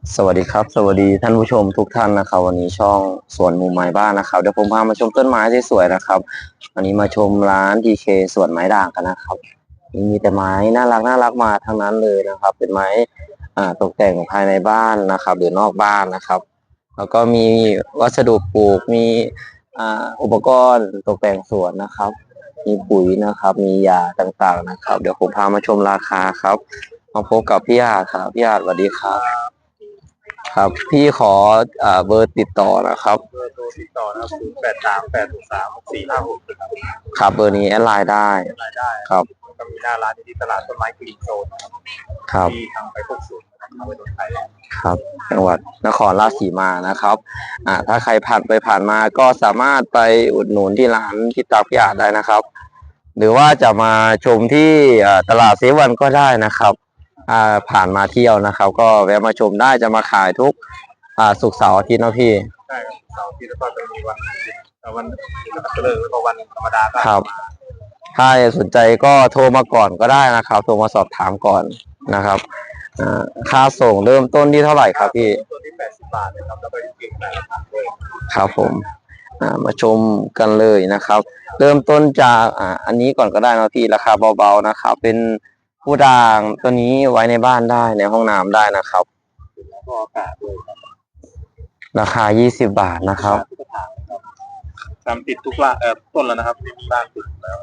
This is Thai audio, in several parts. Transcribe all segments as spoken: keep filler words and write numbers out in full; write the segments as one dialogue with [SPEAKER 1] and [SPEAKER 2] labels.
[SPEAKER 1] สวัสดีครับสวัสดีท่านผู้ชมทุกท่านนะครับวันนี้ช่องสวนมุมไม้บ้านนะครับเดี๋ยวผมพามาชมต้นไม้ที่สวยนะครับวันนี้มาชมร้าน ดี เค สวนไม้ด่างกันนะครับมีแต่ไม้น่ารักน่ารักมาทั้งนั้นเลยนะครับเป็นไม้อ่าตกแต่งภายในบ้านนะครับหรือนอกบ้านนะครับแล้วก็มีวัสดุปลูกมีอ่าอุปกรณ์ตกแต่งสวนนะครับมีปุ๋ยนะครับมียาต่างๆนะครับเดี๋ยวผมพามาชมราคาครับมาพบกับพี่อาจครับพี่อาจสวัสดีครับ ครับพี่ขออ่าเบอร์ติดต่อนะครับ
[SPEAKER 2] เบอร์โทรติดต่อนะครับศูนย์แปดสามแปดสามสี่ห้าหกครับ
[SPEAKER 1] ครับเบอร์นี้แอดไลน์ได้
[SPEAKER 2] รายได้
[SPEAKER 1] ครับ
[SPEAKER 2] ก็มีหน้าร้านที่ตลาดต้นไม้กรีนโซนนะครับ
[SPEAKER 1] ครับ
[SPEAKER 2] ที่ทางไปพวกศูนย์นะครับไปโดนไทย
[SPEAKER 1] ครับจังหวัดนครราชสีมานะครับอ่าถ้าใครผ่านไปผ่านมาก็สามารถไปอุดหนุนที่ร้านที่ตากพิยาได้นะครับ หรือว่าจะมาชมที่อ่าตลาดเซวันก็ได้นะครับอ่าผ่านมาเที่ยวนะครับ ก็แวะมาชมได้จะมาขายทุกอ่าศุกร์เสาร์อาทิตย์เนาะพี่
[SPEAKER 2] ใช่ครับเสาร์อาที่แล้วก็จะมีวันเอ่อวันวันเลิกแล้วก็วันธรรมดาก็
[SPEAKER 1] ครับถ้าสนใจก็โทรมาก่อนก็ได้นะครับโทรมาสอบถามก่อนนะครับอ่าค่าส่งเริ่มต้นที่เท่าไหร่ครับพี่
[SPEAKER 2] ตัวที่แปดสิบบาทนะครับแล้วก็จริงๆแปดสิบบาทด้วย
[SPEAKER 1] ครับผมอ่ามาชมกันเลยนะครับ เริ่มต้นจากอ่าอันนี้ก่อนก็ได้นะพี่ราคาเบาๆนะครับเป็นผู้ด่างตัวนี้ไว้ในบ้านได้ในห้องน้ำได้นะครับ
[SPEAKER 2] แล้วก็อากาศด้วยครับ
[SPEAKER 1] ราคายี่สิบบาทนะครับ
[SPEAKER 2] ทุกกระถางนะครับทำติดทุกละเอ่อต้นแล้วนะครับมีบ้านติดแล้ว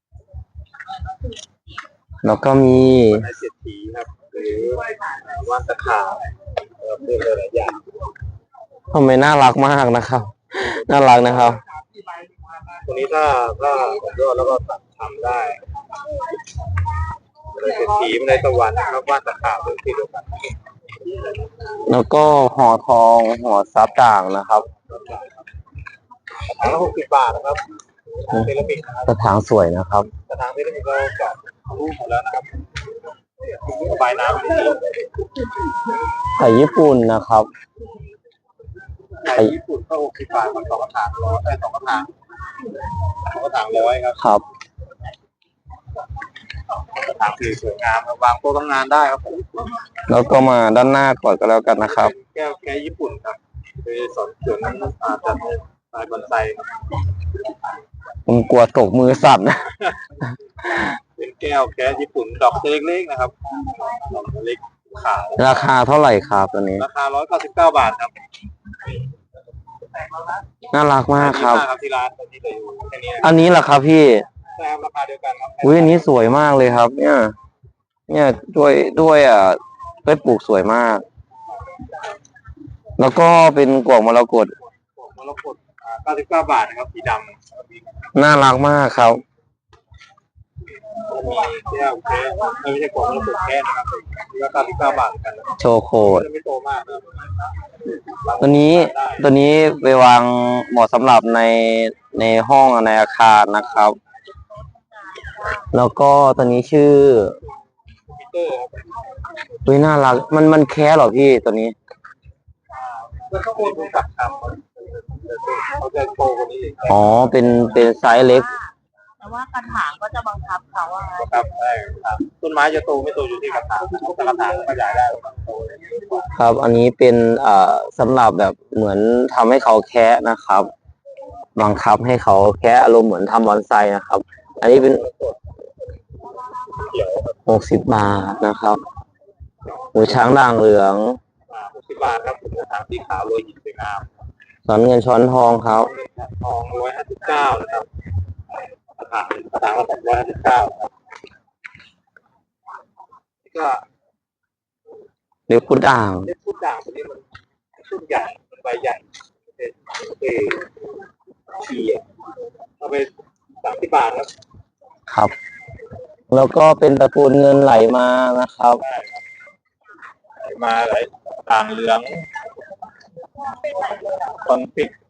[SPEAKER 1] แล้วก็มี
[SPEAKER 2] ในเศรษฐีครับหรือว่านตะขาบเอ่อเพื่อหลายๆอย่าง
[SPEAKER 1] ทำไมน่ารักมากนะครับน่ารักนะครับ
[SPEAKER 2] ตัวนี้ถ้าถ้าผมยอดแล้วก็ทำได้เลยเศรษฐีไม่ได้ตะวันนะครับว่านตะขาบเป็นที่เดียวกัน
[SPEAKER 1] แล้วก็ห่อทองห่อซับด่างนะครับ
[SPEAKER 2] ถังละหกสิบบาทนะครับเซรามิกนะครับ
[SPEAKER 1] กระถางสวยนะครับ
[SPEAKER 2] กระถางเซรามิกเราเจาะรูปหมดแล้วนะครับระบายน้ำดี
[SPEAKER 1] ไข่ญี่ปุ่นนะครับ
[SPEAKER 2] ไข่ญี่ปุ่นก็หกสิบบาทครับสองกระถางร้อยได้สองกระถางสองกระถางร้อยครับ
[SPEAKER 1] ครับ
[SPEAKER 2] กระถางสีสวยงามวางโต๊ะทำงานได้ครับผม
[SPEAKER 1] แล้วก็มาด้านหน้าก่อนก็แล้วกันนะครับ
[SPEAKER 2] แก้วแก้ญี่ปุ่นครับคือสอนสวนนั้นอาจจะลายบอนไซครับ
[SPEAKER 1] ผมกลัวตกมือสั่น
[SPEAKER 2] เป็นแก้วแก้ญี่ปุ่นดอกเล็กๆนะครับดอกเล็กขาว
[SPEAKER 1] ราคาเท่าไหร่ครับตัวนี้
[SPEAKER 2] ราคาร้อยเก้าสิบเก้าบาทครับ
[SPEAKER 1] น่ารักมากครับ
[SPEAKER 2] ที่ร้านที่จะอยู่แค่นี้
[SPEAKER 1] อันนี้แหละครับพี่
[SPEAKER 2] ใช่ครับราคาเดียวกันครับ
[SPEAKER 1] อุ้ยอันนี้สวยมากเลยครับ เนี่ย เนี่ยด้วยด้วยอ่ะด้วยปลูกสวยมาก แล้วก็เป็นกวางมรกต
[SPEAKER 2] มรกตเก้าสิบเก้าบาทนะครับสีด
[SPEAKER 1] ำน่ารักมากครับ
[SPEAKER 2] มีแก้วแก้ไม่ใช่กวางมรกตแก้นะครับราคาเก้าสิบเก้าบาทกัน
[SPEAKER 1] โชโคด
[SPEAKER 2] ไม่โตมากนะ
[SPEAKER 1] ตัวนี้ตัวนี้ไปวางเหมาะสำหรับในในห้องในอาคารนะครับ แล้วก็ตัวนี้ชื่อ
[SPEAKER 2] ปีเตอร์
[SPEAKER 1] อุ้ยน่ารักมันมันแค่หรอพี่ตัวนี้
[SPEAKER 2] แล้วเขาโอนกับทำเขาจะโตกว่านี้
[SPEAKER 1] อ๋อเป็นเป็นไซส์เล็ก
[SPEAKER 3] แต่ว่ากระถางก็จะบังคับเขาว่า
[SPEAKER 2] ครับใช่ครับต้นไม้จะโตไม่โตอยู่ที่กระถางถ้ากระถางขยายได้
[SPEAKER 1] ครับอันนี้เป็นอ่าสำหรับแบบเหมือนทำให้เขาแคะนะครับบังคับให้เขาแคะอารมณ์เหมือนทำบอนไซนะครับ อันนี้เป็นหกสิบบาทนะครับหูช้างด่างเหลือง
[SPEAKER 2] หกสิบบาทครับกระถางสีขาวโรยหินสวยงาม
[SPEAKER 1] สอนเงินช้อนทองครับ
[SPEAKER 2] ทองร้อยห้าสิบเก้านะครับกระถางกระถางละสองร้อยห้าสิบเก้าก็
[SPEAKER 1] เรียกพุดด่าง
[SPEAKER 2] เรียกพุดด่างตัวนี้มันต้นใหญ่ใบใหญ่เป็นเอเชียเอาไปสามสิบบาทครับ
[SPEAKER 1] ครับ แล้วก็เป็นตระกูลเงินไหลมานะครับ
[SPEAKER 2] ไหลมาไหลด่างเหลืองคอนฟิก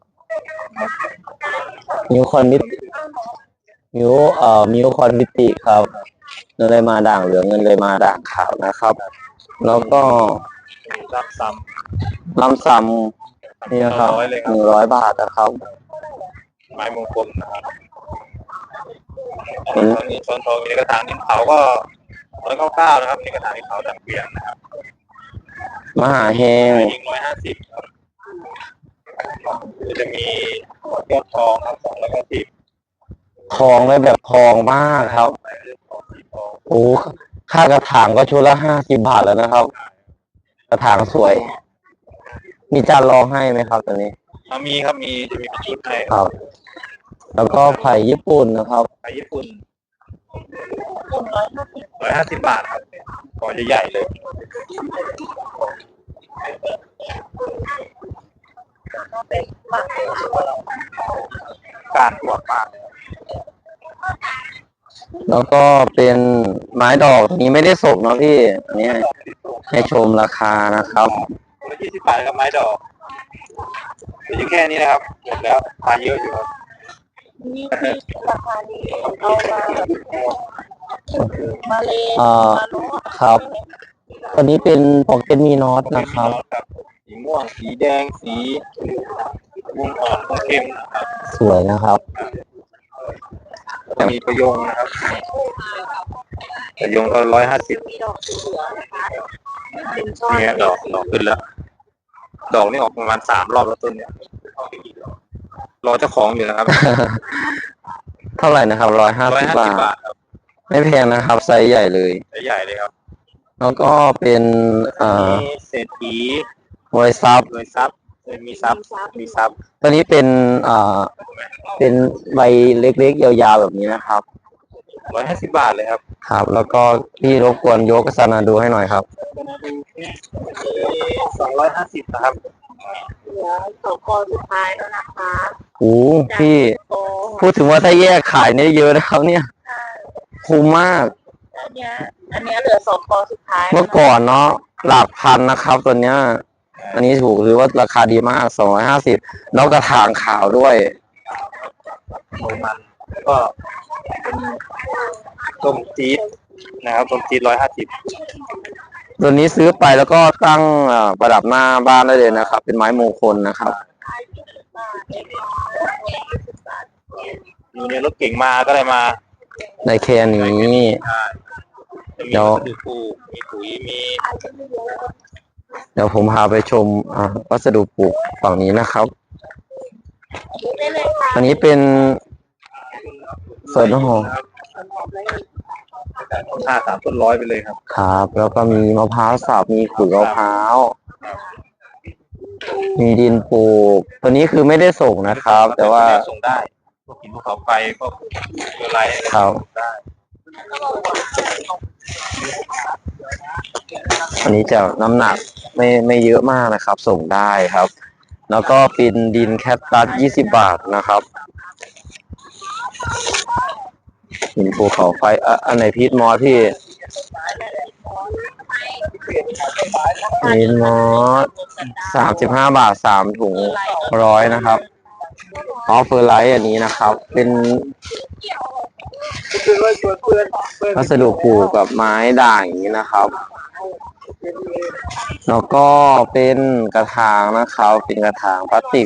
[SPEAKER 1] มิวคอนมิติมิวเอ่อมิวคอนมิติครับเงินเลยมาด่างเหลืองเงินเลยมาด่างขาวนะครับ แล้วก็
[SPEAKER 2] ลำซ้
[SPEAKER 1] ำลำซ้ำนี่นะครับหนึ่งร้อยบาทนะครับ
[SPEAKER 2] ไม้มงคลนะครับตอนนี้ช้อนทองมีกระถางดินเผาก็ร้อยเก้าเก้านะครับมีกระถางดินเผาดังเปลี่ยนนะครับ
[SPEAKER 1] มหาเฮง
[SPEAKER 2] เองร้อยห้าสิบครับจะมียอดทองครับสองร้อยห้าสิบ
[SPEAKER 1] ทองเลยแบบทองมากครับ โอ้ค่ากระถางก็ชุดละห้าสิบบาทแล้วนะครับ กระถางสวย มีจานรองให้ไหมครับตัวนี้
[SPEAKER 2] อ่ามีครับมีจะมีเป็นชุดให้
[SPEAKER 1] ครับ แล้วก็ไผ่ญี่ปุ่นนะครับ
[SPEAKER 2] ไปญี่ปุ่น
[SPEAKER 3] คุณร้อยห้าสิบ
[SPEAKER 2] ร้อยห้าสิบบาทครับก่อนใหญ่ๆเลย
[SPEAKER 3] ก็เป็นปาก
[SPEAKER 2] การปวดมาก
[SPEAKER 1] แล้วก็เป็นไม้ดอกตัวนี้ไม่ได้ส่งเนาะพี่อันนี้ให้ชมราคานะครับ
[SPEAKER 2] ร้อยยี่สิบบาทครับไม้ดอกมีแค่นี้นะครับหมดแล้วทานเยอะอยู่ครับ
[SPEAKER 3] นี่ที่ราคาดีเอามามาเลย
[SPEAKER 1] อ่า
[SPEAKER 3] มาลุ้
[SPEAKER 1] ครับ ตัวนี้เป็นโปเกมมีนอตนะครับ
[SPEAKER 2] สีม่วงสีแดงสีม่วงอ่อนม่วงเข้มนะครับ
[SPEAKER 1] สวยนะครับ
[SPEAKER 2] จะมีประโยงนะครับประโยงก็ร้อยห้าสิบ
[SPEAKER 3] มีดอกสีเหลืองนะคะเป็นช่อ
[SPEAKER 2] เนี่ยดอกดอกขึ้นแล้ว ดอกนี่ออกประมาณสามรอบแล้วต้นเนี่ยรอเจ้าของอยู่นะครับ
[SPEAKER 1] เท่าไหร่นะครับร้อยห้า
[SPEAKER 2] ร้อย
[SPEAKER 1] สิบ
[SPEAKER 2] ห้าสิบ
[SPEAKER 1] บา
[SPEAKER 2] บา
[SPEAKER 1] ท
[SPEAKER 2] ทครับ
[SPEAKER 1] ไม่แพงนะครับ ไซส์ใหญ่เลย
[SPEAKER 2] ใหญ่เลยครับ
[SPEAKER 1] แล้วก็เป็นอ่า
[SPEAKER 2] มีเศรษฐี
[SPEAKER 1] ไวซับ
[SPEAKER 2] รวยทรัพย์มีทรัพย์มีทรัพย์
[SPEAKER 1] ตัวนี้เป็นอ่าเป็นใบเล็กๆยาวๆแบบนี้นะครับ
[SPEAKER 2] ร้อยห้าสิบบาทเลยครับ
[SPEAKER 1] ครับ แล้วก็พี่รบกวนยกสนาดูให้หน่อยครับ
[SPEAKER 2] สองร้อยห้าสิบนะครับ
[SPEAKER 3] เหลือสองคอสุดท้ายแล้วนะคะ
[SPEAKER 1] โอ้พี่
[SPEAKER 3] โอ้
[SPEAKER 1] พูดถึงว่าถ้าแยกขายเนี่ยเยอะนะครับเนี่ย คุ้มมาก
[SPEAKER 3] อันเนี้ยอันเนี้ยเหลือสองคอสุดท้าย
[SPEAKER 1] เมื่อก่อนเนาะหลักพันนะครับตัวเนี้ย อันนี้ถูกหรือว่าราคาดีมากสองร้อยห้าสิบแล้วกระถางขาวด้วย
[SPEAKER 2] โรมันแล้วก็ต้มจี๊ดนะครับต้มจี๊ดร้อยห้าสิบ
[SPEAKER 1] ตัวนี้ซื้อไปแล้วก็ตั้งเอ่อประดับหน้าบ้านได้เลยนะครับ เป็นไม้มงคลนะครับ
[SPEAKER 2] มีเนี่ยรถเก่งมาก็ได้มา
[SPEAKER 1] ในแค่นี้
[SPEAKER 2] จะมี
[SPEAKER 1] เดี๋ยว
[SPEAKER 2] วัสดุปลูกมีปุ๋ยมี
[SPEAKER 1] เดี๋ยวผมพาไปชมอ่าวัสดุปลูกฝั่งนี้นะครับ
[SPEAKER 3] ได้เลยค่ะ
[SPEAKER 1] อันนี้เป็นสวนหอม
[SPEAKER 2] ห้าสามต้นร้อยไปเลยครับ
[SPEAKER 1] ครับ แล้วก็มีมะพร้าวสับมีขุยมะพร้าว มีดินปลูก ตัวนี้คือไม่ได้ส่งนะครับ แต่ว่า
[SPEAKER 2] ส่งได้พวกหินภูเขาไฟพวกอะไร
[SPEAKER 1] ครับ
[SPEAKER 2] ได้
[SPEAKER 1] อันนี้จะน้ำหนักไม่ไม่เยอะมากนะครับ ส่งได้ครับ แล้วก็เป็นดินแคคตัสยี่สิบบาทนะครับหินภูเขาไฟอ่ะอันไหนพีทมอสพี่พีทมอสสามสิบห้าบาทสามถุงร้อยนะครับออฟเฟอร์ไลท์อันนี้นะครับ เป็นวัสดุปลูกกับไม้ด่างอย่างนี้นะครับ แล้วก็เป็นกระถางนะครับ เป็นกระถางพลาสติก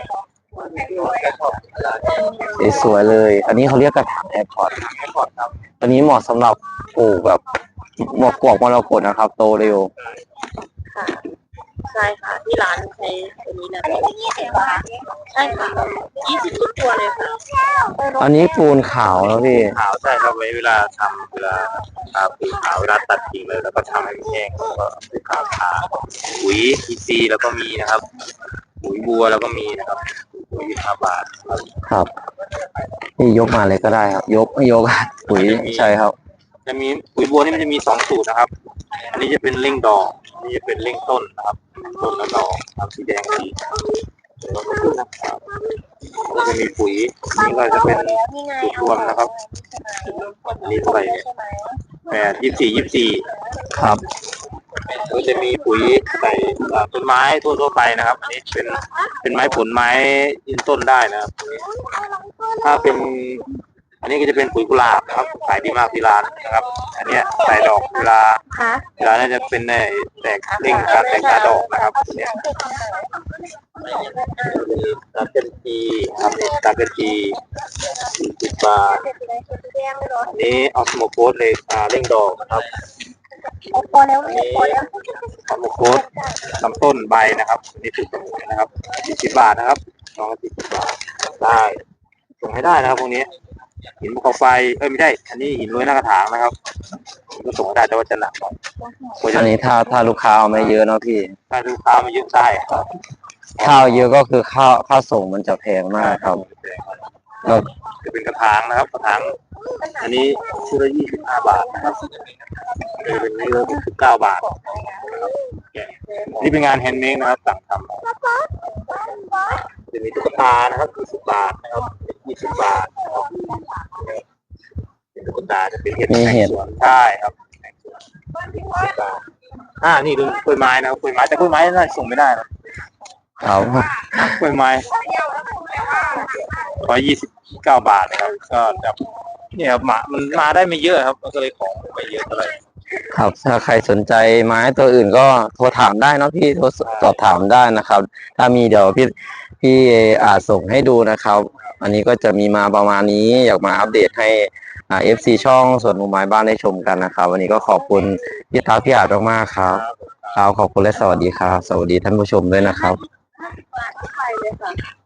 [SPEAKER 1] สวยๆเลย อันนี้เขาเรียกกระถางแอร์พอร์ตอันนี้เหมาะสำหรับปลูกแบบหมวกกวกมรกตนะครับ โตเร็ว
[SPEAKER 3] ค่ะใช่ค่ะที่ร้านใช้ตัวนี้นะใช่ค่ะยี่สิบทุกตัวเลยค่ะ
[SPEAKER 1] อันนี้ปูนขาวแล้วพี่
[SPEAKER 2] ขาวใช่ครับไว้เวลาทำเวลาทาปุ๋ยขาวเวลาตัดกิ่งเลยแล้วก็ทำให้มันแห้งแล้วก็ปุ๋ยขาวทาปุ๋ยอีซีแล้วก็มีนะครับปุ๋ยบัวแล้วก็มีนะครับปุ๋ยยี่สิบห้าบาทครับ
[SPEAKER 1] ครับนี่ยกมาเลยก็ได้ครับ ยกไม่ยกอะปุ๋ยใช่ครับ
[SPEAKER 2] จะมีปุ๋ยบัวนี่มันจะมีสองสูตรนะครับ อันนี้จะเป็นเร่งดอกอันนี้จะเป็นเร่งต้นนะครับ ต้นและดอกทำสีแดงสีนะครับแล้วจะมีปุ๋ยนี่ก็จะเป็นสูตรรวมนะครับอันนี้เท่าไหร่เนี่ยแปดยี่สิบสี่ยี่สิบสี่
[SPEAKER 1] ครับ
[SPEAKER 2] ก็จะมีปุ๋ยใส่ต้นไม้ทั่วๆไปนะครับ อันนี้เป็นเป็นไม้ผลไม้ยืนต้นได้นะครับ ถ้าเป็น อันนี้ก็จะเป็นปุ๋ยกุหลาบนะครับขายดีมากที่ร้านนะครับ อันเนี้ยใส่ดอกเวลา
[SPEAKER 3] ค่ะ
[SPEAKER 2] เวลาน่าจะเป็นในแตกเร่งการแตกกาดอกนะครับเนี่ยตาเกนจีครับตาเกนจีสิบบาทอันนี้ออสโมโคสเลยอ่าเร่งดอกนะครับ
[SPEAKER 3] พอแล้ว
[SPEAKER 2] อันนี้ขอมโคตลำต้นใบนะครับนี่คือสมุนนะครับสี่สิบบาทนะครับสองร้อยสี่สิบบาทได้ส่งให้ได้นะครับพวกนี้หินภูเขาไฟเอ้ยไม่ใช่อันนี้หินโรยหน้ากระถางนะครับก็ส่งให้ได้แต่ว่าจะหนักหน่อย
[SPEAKER 1] อันนี้ถ้าถ้าลูกค้าเอาไม่เยอะเนาะพี่
[SPEAKER 2] ถ้าลูกค้ามายืมได้ครับ
[SPEAKER 1] ข้าวเยอะก็คือข้าวข้าวส่งมันจะแพงมากครับก็
[SPEAKER 2] จะเป็นกระถางนะครับกระถางอันนี้ชุดละยี่สิบห้าบาทนะครับจะเป็นนี่ละสิบเก้าบาทนะครับนี่เป็นงานแฮนด์เมดนะครับสั่งทำจะมีตุ๊กตานะครับยี่สิบบาทนะครับยี่สิบบาทนะครับเป็นตุ๊กตาจะเป็นเห็ด
[SPEAKER 1] มีเห็ด
[SPEAKER 2] สวนใช่ครับอ่านี่ดูกล้วยไม้นะครับกล้วยไม้แต่กล้วยไม้น่าจะส่งไม่ได้นะครับ กล้วยไม้ร้อยยี่สิบเก้าบาทนะครับก็แบบเนี่ยครับมามันมาได้ไม่เยอะครับมันก็เลยของไม่เยอะเท่าไหร่
[SPEAKER 1] ครับถ้าใครสนใจไม้ตัวอื่นก็โทรถามได้เนาะพี่โทรสอบถามได้นะครับ ถ้ามีเดี๋ยวพี่พี่อาจส่งให้ดูนะครับ อันนี้ก็จะมีมาประมาณนี้อยากมาอัปเดตให้อ่าเอฟซีช่องสวนมุมไม้บ้านได้ชมกันนะครับ วันนี้ก็ขอบคุณพี่ทักพี่อาจมากๆครับครับขอบคุณและสวัสดีครับ สวัสดีท่านผู้ชมด้วยนะครับ
[SPEAKER 3] ไปเลยค่ะ